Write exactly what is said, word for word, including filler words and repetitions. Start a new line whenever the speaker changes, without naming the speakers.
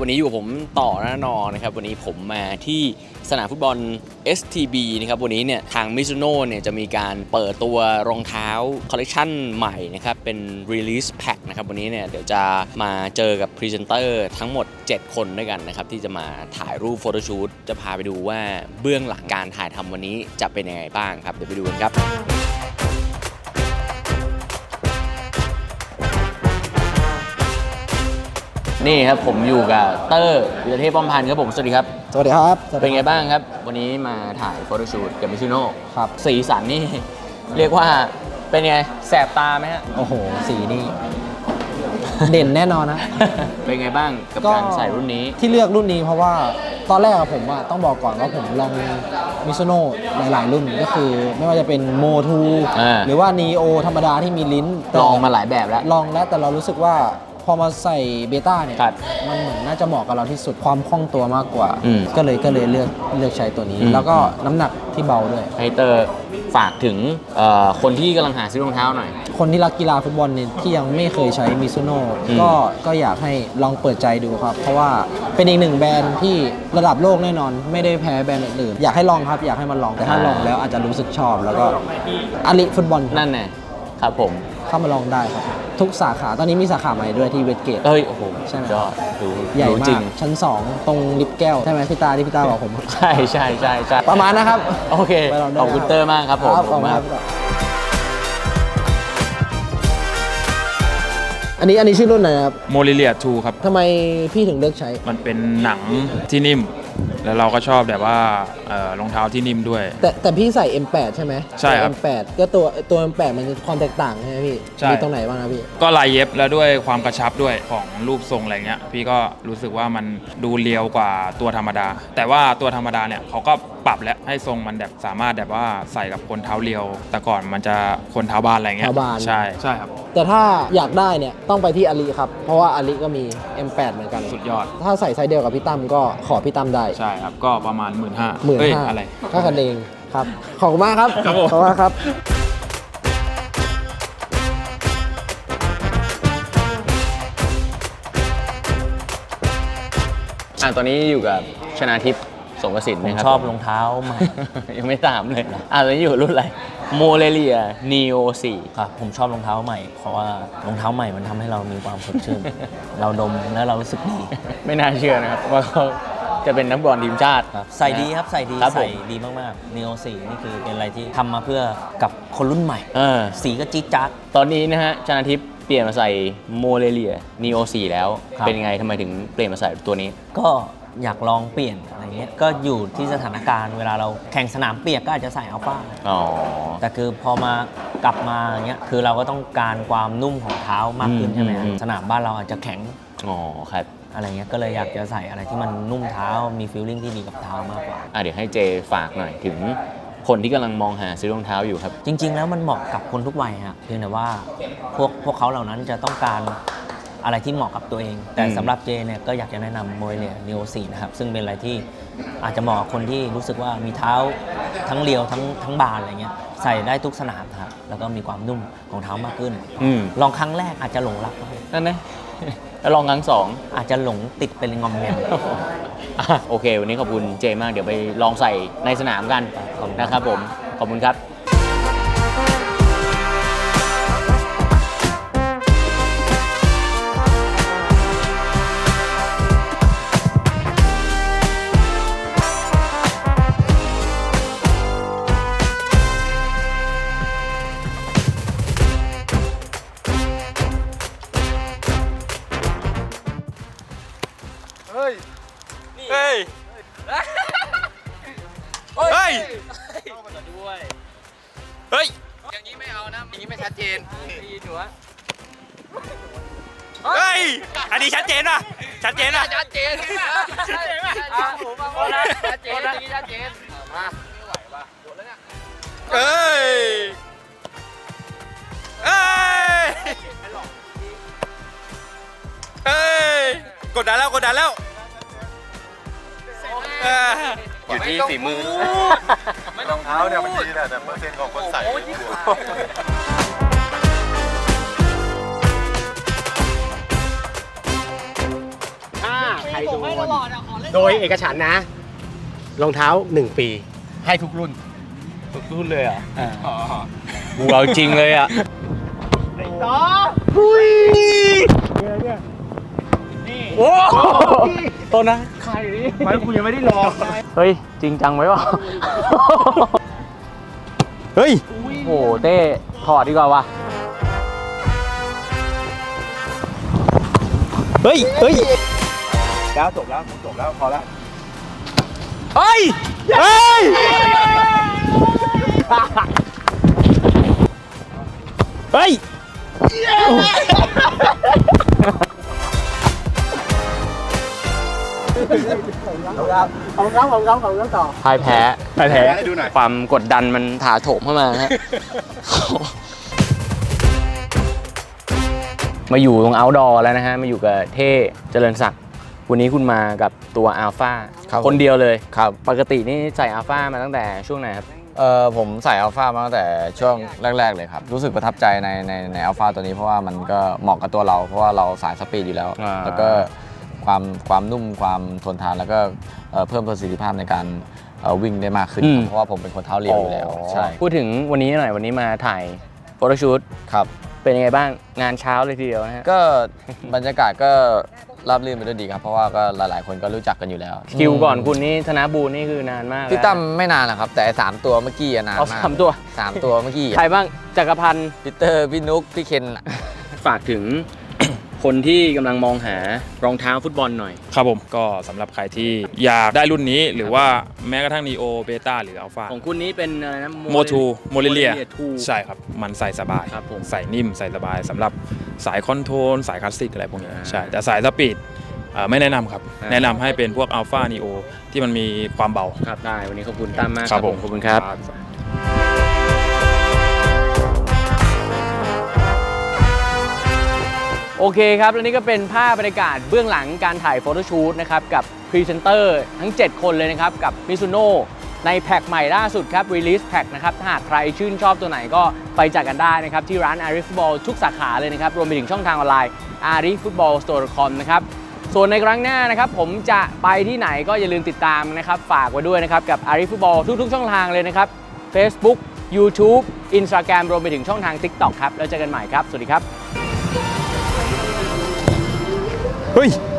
วันนี้อยู่ผมต่อหน้านอนะครับวันนี้ผมมาที่สนามฟุตบอล เอส ที บี นะครับวันนี้เนี่ยทาง Mizuno เนี่ยจะมีการเปิดตัวรองเท้าคอลเลคชันใหม่นะครับเป็น Release Pack นะครับวันนี้เนี่ยเดี๋ยวจะมาเจอกับพรีเซนเตอร์ทั้งหมดเจ็ดคนด้วยกันนะครับที่จะมาถ่ายรูปโฟโต้ชูตจะพาไปดูว่าเบื้องหลังการถ่ายทำวันนี้จะเป็นยังไงบ้างครับเดี๋ยวไปดูกันครับนี่ครับผมอยู่กับเตอร์วิรเทพป้อมพันธ์ครับผมสวัสดีครับ
สวัสดีครับ
เป็นไงบ้างครับวันนี้มาถ่ายโฟโต้ชูตกับมิซูโน่
ครับ
สีสันนี่เรียกว่าเป็นไงแสบตาไหมฮะ
โอ้โหสีนี่เด่นแน่นอนนะ
เป็นไงบ้างกับการใส่รุ่นนี้
ที่เลือกรุ่นนี้เพราะว่าตอนแรกผมอะต้องบอกก่อนว่าผมลองมิซูโน่หลายๆรุ่นก็คือไม่ว่าจะเป็นโมทูหรือว่านีโอธรรมดาที่มีลิ้น
ลองมาหลายแบบแล้ว
ลองแล้วแต่เรารู้สึกว่าพอมาใส่เบต้าเนี่ยมันเหมือนน่าจะเหมาะกับเราที่สุดความคล่องตัวมากกว่าก็เลยก็เลยเลือกเลือกใช้ตัวนี้แล้วก็น้ำหนักที่เบาด้วย
ไฮเตอร์ฝากถึงคนที่กำลังหาซื้อรองเท้าหน่อย
คนที่รักกีฬาฟุตบอลเนี่ยที่ยังไม่เคยใช้มิซูโน่ก็ก็อยากให้ลองเปิดใจดูครับเพราะว่าเป็นอีกหนึ่งแบรนด์ที่ระดับโลกแน่นอนไม่ได้แพ้แบรนด์อื่นอยากให้ลองครับอยากให้มันลองแต่ถ้าลองแล้วอาจจะรู้สึกชอบแล้วก็อลิฟุตบอล
นั่นแน่ครับผม
เข้ามาลองได้ครับทุกสาขาตอนนี้มีสาขาใหม่ด้วยที่เวสเกต
เอ้ยโอ้โห
ใช่ไหม
ยอดดู
ใหญ่มากชั้นสองตรงลิฟต์แก้วใช่ไหมพี่ตาที่พี่ตาบอกผม
ใช่ใช่ใช่ใช่
ประมาณนะครับ
โอเคขอบคุณเตอร์มากครับผม
ขอบคุณครับอันนี้อันนี้ชื่อรุ่นไหนครับ
โมลิเลียทูครับ
ทำไมพี่ถึงเลือกใช้
มันเป็นหนังที่นิ่มแล้วเราก็ชอบแบบว่ารองเท้าที่นิ่มด้วย
แต่แต่พี่ใส่ เอ็ม แปด ใช่ไหม
ใช่ครับ
เอ็ม แปด ก็ตัวตัว เอ็ม แปด มันความแตกต่างใช่ไหมพี่มีตรงไหนบ้างนะพี่
ก็ลายเย็บแล้วด้วยความกระชับด้วยของรูปทรงอะไรเงี้ยพี่ก็รู้สึกว่ามันดูเรียวกว่าตัวธรรมดาแต่ว่าตัวธรรมดาเนี่ยเขาก็ปรับแล้วให้ทรงมันแบบสามารถแบบว่าใส่กับคนเท้าเรียวแต่ก่อนมันจะคนเท้าบานอะไรเงี้ยใช่ใช่ครับ
แต่ถ้าอยากได้เนี่ยต้องไปที่อาลีครับเพราะว่าอาลีก็มี เอ็ม แปด เหมือนกัน
สุดยอด
ถ้าใส่ไซส์เดียวกับพี่ตั้มก็ขอพี่ตั้มได้
ใช่ครับก็ประมาณ หมื่นห้า
หมื่นห้า
อะไร
ค่ากันเองครับขอบคุณมากครับขอบคุณมากครับ
อ่ะตอนนี้อยู่กับชนาทิพย์สงกสินนะครับ
ชอบรองเท้าใหม่
ยังไม่ตามเลยอ่ะตอนนี้อยู่รุ่นอะไรโมเลเลียนีโอสี่
ครับผมชอบรองเท้าใหม่เพราะว่ารองเท้าใหม่มันทำให้เรามีความสดชื่น เราดมแล้วเรารู้สึกดี
ไม่น่าเชื่อนะครับว่าเขาจะเป็นนักบอลทีมชาติ
ใส่ดีครับใส่ดีใส่ดีมากๆ นี โอ สี่นี่คือเป็นอะไรที่ทำมาเพื่อกับคนรุ่นใหม่สีก็จี๊ดจ๊าด
ตอนนี้นะฮะชนาทิพย์เปลี่ยนมาใส่โมเลเลียนีโอสี่แล้วเป็นไงทำไมถึงเปลี่ยนมาใส่ตัวนี้
ก็อยากลองเปลี่ยนอะไรเงี้ยก็อยู่ที่สถานการณ์เวลาเราแข่งสนามเปียกก็อาจจะใส่อัลฟาแต่คือพอมากลับมาอย่างเงี้ยคือเราก็ต้องการความนุ่มของเท้ามากขึ้นใช่ไหมสนามบ้านเราอาจจะแข็ง
อ๋อครับ
อะไรเงี้ยก็เลยอยากจะใส่อะไรที่มันนุ่มเท้ามีฟีลลิ่งที่ดีกับเท้ามากกว่า
อ่ะเดี๋ยวให้เจฝากหน่อยถึงคนที่กำลังมองหาซื้อรองเท้าอยู่ครับ
จริงๆแล้วมันเหมาะกับคนทุกวัยฮะเพียงแต่ว่าพวกพวกเขาเหล่านั้นจะต้องการอะไรที่เหมาะกับตัวเองแต่สำหรับเจเนี่ยก็อยากจะแนะนำโมเลเลียนีโอสี่นะครับซึ่งเป็นอะไรที่อาจจะเหมาะกับคนที่รู้สึกว่ามีเท้าทั้งเรียวทั้งทั้งบานอะไรเงี้ยใส่ได้ทุกสนามครับแล้วก็มีความนุ่มของเท้ามากขึ้นลองครั้งแรกอาจจะหลงรัก
นั่นนะแล้วลองครั้งสอง
อาจจะหลงติดเป็นงอมแงม
โอเควันนี้ขอบคุณเจมากเดี๋ยวไปลองใส่ในสนามกันนะครับผมขอบคุณครับ
เฮ้ย เฮ้ย เฮ้ยเข้ามาด้วย เฮ้ย
อย่างนี้ไม่เอานะอย่างนี้ไม่ชัดเจนดีหนู
เฮ้ย อันนี้ชัดเจนป่ะชัดเจนป่ะ
ชัดเจนชัดเจนป่ะผมมาแล้วชัดเจนนี่ชัดเจนมาไม่ไหวป่ะหมดแล้วเนี่ย
เฮ้ย เฮ้ย เฮ้ย กดดันแล้วกดดันแล้ว
อยู่ที่ฝีมือไม่ต้องเท้าเนี่ยมันดีแหละแต่เปอร์เซ็นต์ของคนใส่
ถ้าใครดู
โดยเอกฉันท์นะรองเท้าหนึ่งปีให้ทุกรุ่น
ทุกรุ่นเลยอ่ะกูเอาจริงเลยอ่ะ
ต่อหุยเนี่ยเนี่ยนี่โอ้ตัวนะใครนี่ไม่กูยังไม่ได้ลอง
เฮ้ย จริงจังไหมวะ เฮ้ย โอ้เต้ถอดดีกว่าวะเฮ้ย เฮ้ย
แล้วจบแล้วจบแล้วพอแล้ว
เฮ้ย เฮ้ย เฮ้ย
ของเขาของเขาของเขาต่อ
พ่ายแพ้พ่ายแพ้
ให้ดูหน่อย
ความกดดันมันถาโถมเข้ามาฮะ มาอยู่ตรง outdoor แล้วนะฮะ มาอยู่กับเท่เจริญศักดิ์วันนี้คุณมากับตัวอัลฟา
ครับ
คนเดียวเลย
ครับ
ปกตินี่ใส่อัลฟามาตั้งแต่ช่วงไหนครับ
เอ่อผมใส่อัลฟามาตั้งแต่ช่วงแรก ๆ เลยครับ รู้สึกประทับใจในในในอัลฟาตัวนี้เพราะว่ามันก็เหมาะกับตัวเรา เพราะว่าเราสายสปีดอยู่แล้ว
อ่า
แล้วก็ความความนุ่มความทนทานแล้วก็เอ่อเพิ่มประสิทธิภาพในการเอ่อวิ่งได้มากขึ้นครับเพราะว่าผมเป็นคนเท้าเรียวอยู่แล้วใช่
พูดถึงวันนี้หน่อยวันนี้มาถ่ายโฟโต้ชูต
ครับ
เป็นยังไงบ้างงานเช้าเลยทีเดียวนะฮะ
ก็บรรยากาศก็ราบรื่นไปด้วยดีครับ เพราะว่าก็หลาย ๆ คนก็รู้จักกันอยู่แล้ว
คิวก่อนคุณนี่ธนบูรณ์นี่คือนานมาก
พี่
แล้ว
ตั้มไม่นานนะครับ แต่ไอ้สามตัวเมื่อกี้อะนาน
เอา
มาก
สามตัว
สามตัวเมื่อกี้อะ
ใครบ้างจักรพันธ์
พีเตอร์พี่นุ๊กพี่เคนอะ
ฝากถึง คนที่กำลังมองหารองเท้าฟุตบอลหน่อย
ครับผมก็สำหรับใครที่อยากได้รุ่นนี้หรือว่าแม้กระทั่ง Neo Beta หรือ Alpha
ของคุณนี้เป็นอะไรนะ
โมทูโมเรเลีย
ทู
ใช่ครับ มันใส่สบาย
ครับผม
ใส่นิ่มใส่สบายสำหรับสายคอนโทรลสายคลาสสิกอะไรพวกนี้
อ่า
ใช่ แต่สายสปีดเอ่อไม่แนะนำครับ
อ่า
แนะนำให้เป็นพวก Alpha Neo ที่มันมีความเบา
ครับได้วันนี้ขอบคุณตั้มมาก
ครับผม
ขอบคุณครับ โอเคครับ และนี่ก็เป็นภาพบรรยากาศเบื้องหลังการถ่ายโฟโต้ชูตนะครับกับพรีเซนเตอร์ทั้ง เจ็ด คนเลยนะครับ กับ Mizuno ในแพ็คใหม่ล่าสุดครับ Release Pack นะครับ ถ้าหากใครชื่นชอบตัวไหนก็ไปจัดกันได้นะครับ ที่ร้าน Ari Football ทุกสาขาเลยนะครับ รวมไปถึงช่องทางออนไลน์ อารีฟุตบอลสโตร์ ดอท คอม นะครับ ส่วนในครั้งหน้านะครับ ผมจะไปที่ไหนก็อย่าลืมติดตามนะครับ ฝากไว้ด้วยนะครับกับ Ari Football ทุกๆ ช่องทางเลยนะครับ Facebook YouTube Instagram รวมไปถึงช่องทาง TikTok ครับแล้วเจอกันใหม่ครับสวัสดีครับ
เฮ้ย